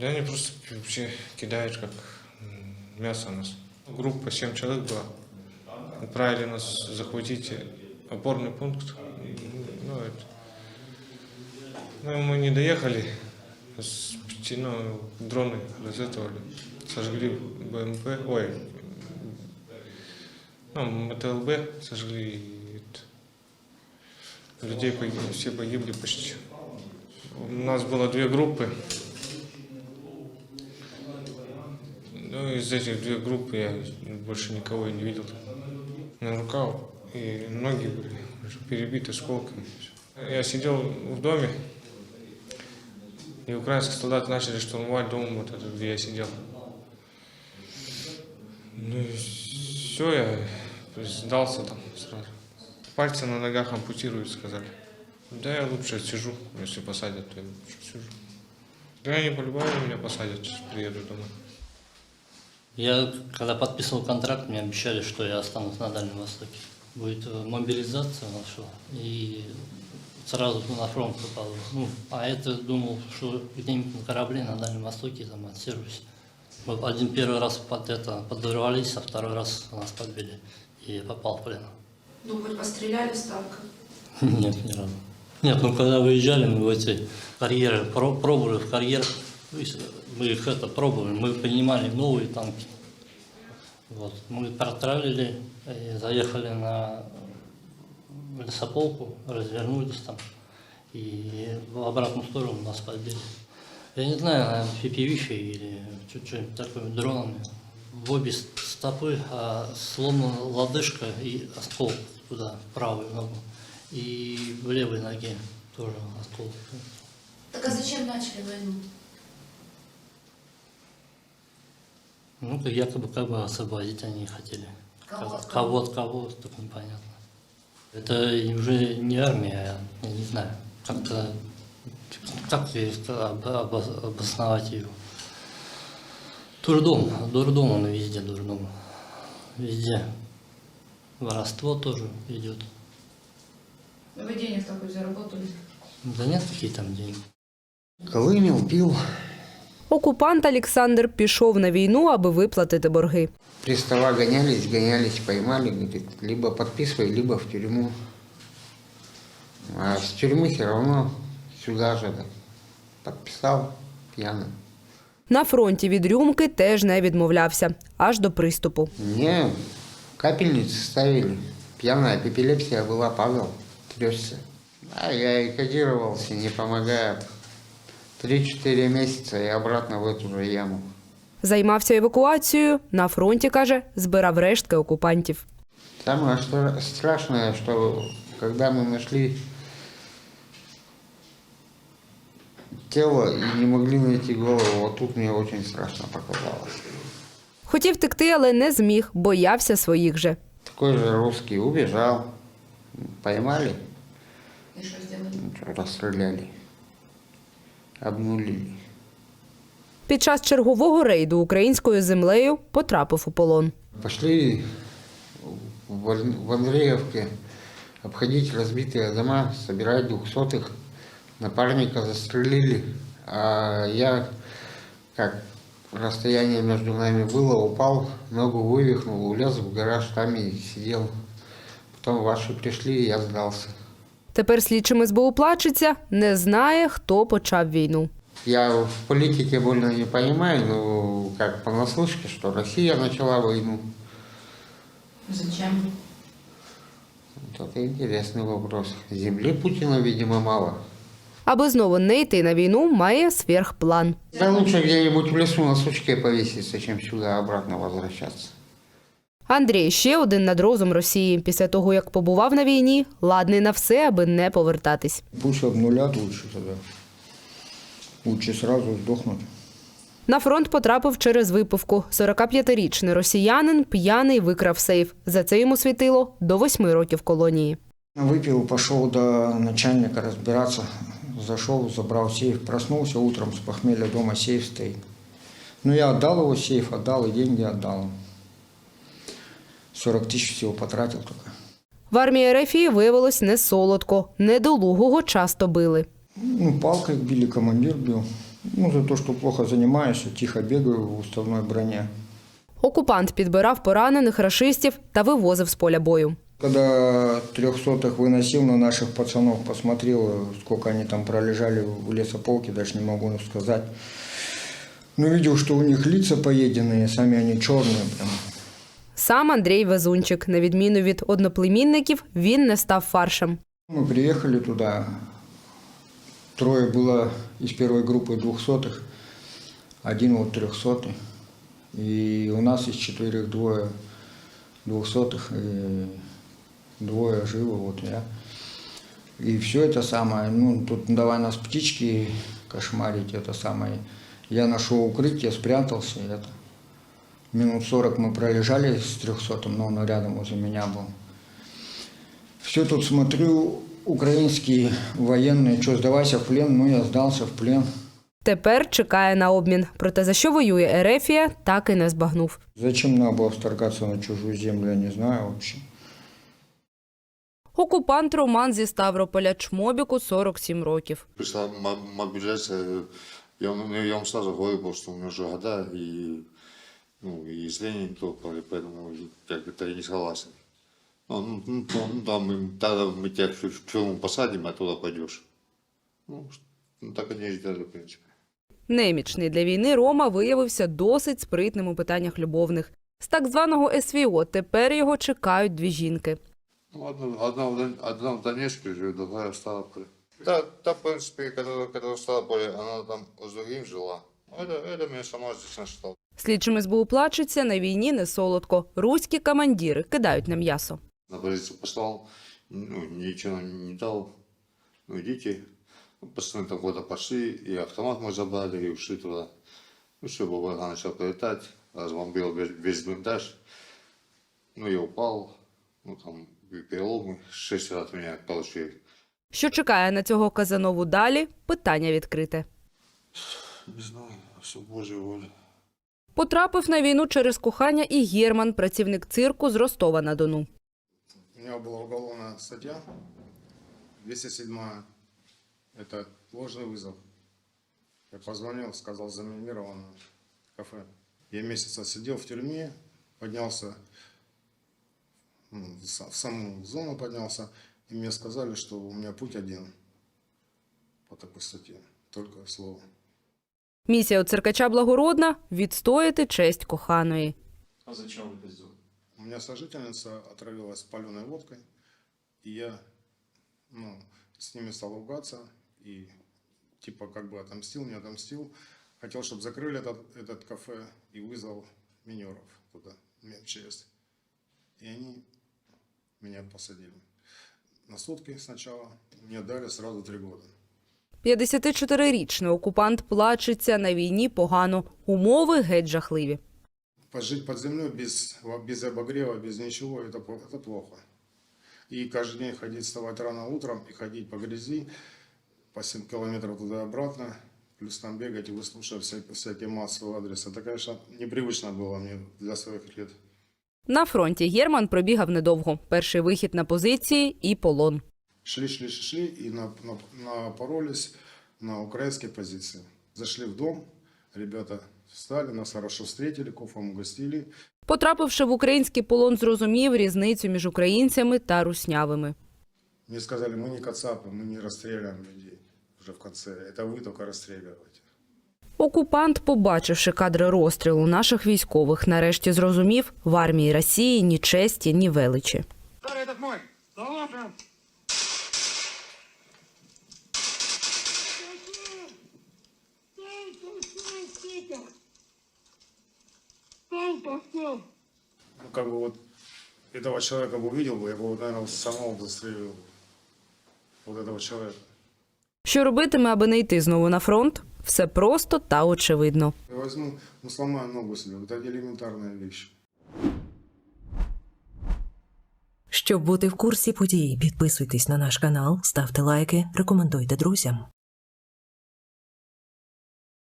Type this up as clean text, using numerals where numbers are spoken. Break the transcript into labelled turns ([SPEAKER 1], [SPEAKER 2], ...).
[SPEAKER 1] Да они просто вообще кидают как мясо нас. Группа 7 человек была. Отправили нас захватить опорный пункт. Ну, мы не доехали. Дроны разэтовали. Сожгли БМП. МТЛБ сожгли. Людей погибли, все погибли почти. У нас было 2 группы. Из этих 2 группы я больше никого и не видел. На руках и ноги были перебиты осколками. Я сидел в доме, и украинские солдаты начали штурмовать дом, вот этот, где я сидел. Ну и все, я сдался там сразу. Пальцы на ногах ампутируют, сказали. Да я лучше сижу, если посадят, то я лучше сижу. Да они по-любому меня посадят, сейчас приеду домой.
[SPEAKER 2] Я, когда подписывал контракт, мне обещали, что я останусь на Дальнем Востоке. Будет мобилизация наша, и сразу на фронт попал. А это думал, что где-нибудь на корабле на Дальнем Востоке там отсижусь. Мы первый раз подорвались, а второй раз нас подбили и попал в плен.
[SPEAKER 3] Ну, хоть постреляли с танка?
[SPEAKER 2] Нет, ни разу. Нет, когда выезжали, мы в эти карьеры, пробовали в карьер, мы их пробовали, мы принимали новые танки. Вот. Мы протралили, заехали на лесополку, развернулись там, и в обратную сторону нас подбили. Я не знаю, наверное, пипевищей или что-нибудь такое, дронами. В обе стопы сломана лодыжка и оскол туда, в правую ногу. И в левой ноге тоже оскол.
[SPEAKER 3] Так а зачем начали войну?
[SPEAKER 2] Ну, якобы освободить они хотели.
[SPEAKER 3] Кого?
[SPEAKER 2] Кого, так непонятно. Это уже не армия, я не знаю. Как обосновать ее? Дурдом он везде, дурдом. Везде. Воровство тоже идет.
[SPEAKER 3] Вы денег такой заработали?
[SPEAKER 2] Да нет, какие там деньги.
[SPEAKER 4] Колимів, пив.
[SPEAKER 5] Окупант Олександр пішов на війну, аби виплатити борги.
[SPEAKER 4] Пристава гонялись, поймали, говорит, либо подписывай, либо в тюрьму. А с тюрьмы все равно сюда же подписал пьяный.
[SPEAKER 5] На фронті від рюмки теж не відмовлявся, аж до приступу.
[SPEAKER 4] Мне капельницы ставили. Пьяная эпилепсия была, Павел, трёсся. А я и кодировался, не помогает. 3-4 месяца и обратно в эту же яму.
[SPEAKER 5] Займався евакуацією, на фронті, каже, збирав рештки окупантів.
[SPEAKER 4] Самое страшное, что когда мы нашли тело и не могли найти голову, вот тут мне очень страшно показалось.
[SPEAKER 5] Хотів втекти, але не зміг, боявся своїх же.
[SPEAKER 4] Такой же русский убежал, поймали,
[SPEAKER 3] И что сделали?
[SPEAKER 4] расстреляли, обнулили.
[SPEAKER 5] Під час чергового рейду українською землею потрапив у полон.
[SPEAKER 4] Пошли в Андреевке обходить разбитые дома, собирать 200-х. Напарника застрелили, а я, как расстояние между нами было, упал, ногу вывихнул, улез в гараж, там и сидел. Потом ваши пришли, и я сдался.
[SPEAKER 5] Тепер слідчим СБУ плачеться, не знає, хто почав війну.
[SPEAKER 4] Я в политике больно не понимаю, но как понаслышке, что Россия начала войну.
[SPEAKER 3] Зачем?
[SPEAKER 4] Вот это интересный вопрос. Земли Путина, видимо, мало.
[SPEAKER 5] Аби знову не йти на війну, має сверхплан.
[SPEAKER 4] Да лучше где-нибудь в лесу на сучке повеситься, чем сюда обратно возвращаться.
[SPEAKER 5] Андрій – ще один над розум Росії. Після того, як побував на війні, ладний на все, аби не повертатись.
[SPEAKER 6] Пусть обнулят лучше тогда. Лучше сразу сдохнуть.
[SPEAKER 5] На фронт потрапив через випивку. 45-річний росіянин п'яний викрав сейф. За це йому світило до 8 років колонії.
[SPEAKER 6] Выпил, пошел до начальника разбираться. Зашел, забрал сейф. Проснулся утром с похмелья, дома сейф стоит. Ну, я отдал его сейф, отдал и деньги отдал. 40 тысяч всего потратил только.
[SPEAKER 5] В армії РФ виявилось не солодко. Недолугого часто били.
[SPEAKER 6] Ну, палкой били, командир бил. Ну, за то, что плохо занимаюсь, тихо бегаю в уставной броне.
[SPEAKER 5] Окупант підбирав поранених рашистів та вивозив з поля бою.
[SPEAKER 6] Когда 300-х выносил на наших пацанов, посмотрел, сколько они там пролежали в лесополке, даже не могу сказать. Но видел, что у них лица поеденные, сами они черные прям.
[SPEAKER 5] Сам Андрій Везунчик. На відміну від одноплемінників, він не став фаршем.
[SPEAKER 6] Мы приехали туда, 3 было из первой группы 200-х, 1 вот 300-й. И у нас из 4 2 200-х, и 2 живо, вот я. И все это самое, ну, тут давай нас птички кошмарить, это самое. Я нашел укрытие, спрятался, и это. Минут 40 мы пролежали с 300-м, но он рядом возле меня был. Все тут смотрю, украинские военные, что, сдавайся в плен? Ну, я сдался в плен.
[SPEAKER 5] Тепер чекає на обмін. Проте за що воює Ерефія, так і не збагнув.
[SPEAKER 6] Зачем надо было вторгаться на чужую землю, я не знаю вообще.
[SPEAKER 5] Окупант Роман зі Ставрополя, Чмобіку 47 років.
[SPEAKER 7] Пришла мобилизация, я вам сразу говорю, потому что у меня уже года, и, ну, и зрение не то, поэтому я как-то не согласен. Тогда мы тебя в тюрьму посадим, а туда пойдешь. Ну, так они и сделали, в принципе.
[SPEAKER 5] Немічний для війни Рома виявився досить спритним у питаннях любовних. З так званого СВО тепер його чекають 2 жінки.
[SPEAKER 7] Ну, одна в Донецке живет, другая в Ставрополе. Да, в принципе, которая в Ставрополе, она там с другим жила. Это меня сама здесь нашла.
[SPEAKER 5] Слідчим СБУ плачуться, на війні не солодко. Руські командири кидають на м'ясо.
[SPEAKER 7] На позицию послал, ну, ничего не дал. Ну, идите. Пацаны там куда-то пошли, и автомат мы забрали, и ушли туда. Ну, все, Бабарга начал прилетать, разбомбил весь блиндаж. Ну, я упал, ну, там переломы, 6 раз меня получили.
[SPEAKER 5] Що чекає на цього Казанову далі – питання відкрите.
[SPEAKER 7] Не знаю, все Божья воля.
[SPEAKER 5] Потрапив на війну через кохання і Герман, працівник цирку з Ростова-на-Дону.
[SPEAKER 8] У меня была уголовная статья, 207 это ложный вызов. Я позвонил, сказал, заминировано кафе. Я месяц сидел в тюрьме, поднялся, в саму зону поднялся, и мне сказали, что у меня путь один по такой статье, только слово.
[SPEAKER 5] Місія у циркача благородна – відстояти честь коханої.
[SPEAKER 9] А зачем вы это сделали?
[SPEAKER 8] У меня сожительница отравилась паленой водкой, и я, с ними стал ругаться, и типа как бы отомстил, не отомстил. Хотел, чтобы закрыли этот кафе и вызвал минеров туда, МЧС. И они меня посадили на сутки сначала, мне дали сразу 3 года.
[SPEAKER 5] 54-річний окупант плачеться, на війні погано. Умови геть жахливі.
[SPEAKER 8] Жить под землей без обогрева, без ничего, это плохо. И каждый день ходить, вставать рано утром и ходить по грязи, по 7 километров туда-обратно, плюс там бегать и выслушивать всякие массовые адресы. Это, конечно, непривычно было мне для своих лет.
[SPEAKER 5] На фронті Герман пробігав недовго. Перший вихід на позиції і полон.
[SPEAKER 8] Шли и напоролись на украинские позиции. Зашли в дом, ребята встали, нас хорошо встретили, кофом угостили.
[SPEAKER 5] Потрапивши в український полон, зрозумів різницю між українцями та руснявими.
[SPEAKER 8] Мне сказали, мы не кацапы, мы не расстреливаем людей уже в конце. Это вы только расстреливаете.
[SPEAKER 5] Окупант, побачивши кадри розстрілу наших військових, нарешті зрозумів, в армії Росії ні честі, ні величі.
[SPEAKER 8] Ну, как бы вот этого человека бы увидел бы, я бы, наверное, самого застрелил. Вот этого человека.
[SPEAKER 5] Що робитиме, аби не йти знову на фронт? Все просто та очевидно.
[SPEAKER 8] Я возьму, сломаю ногу себе. Это элементарная вещь.
[SPEAKER 10] Щоб бути в курсі подій, підписуйтесь на наш канал, ставте лайки, рекомендуйте друзям.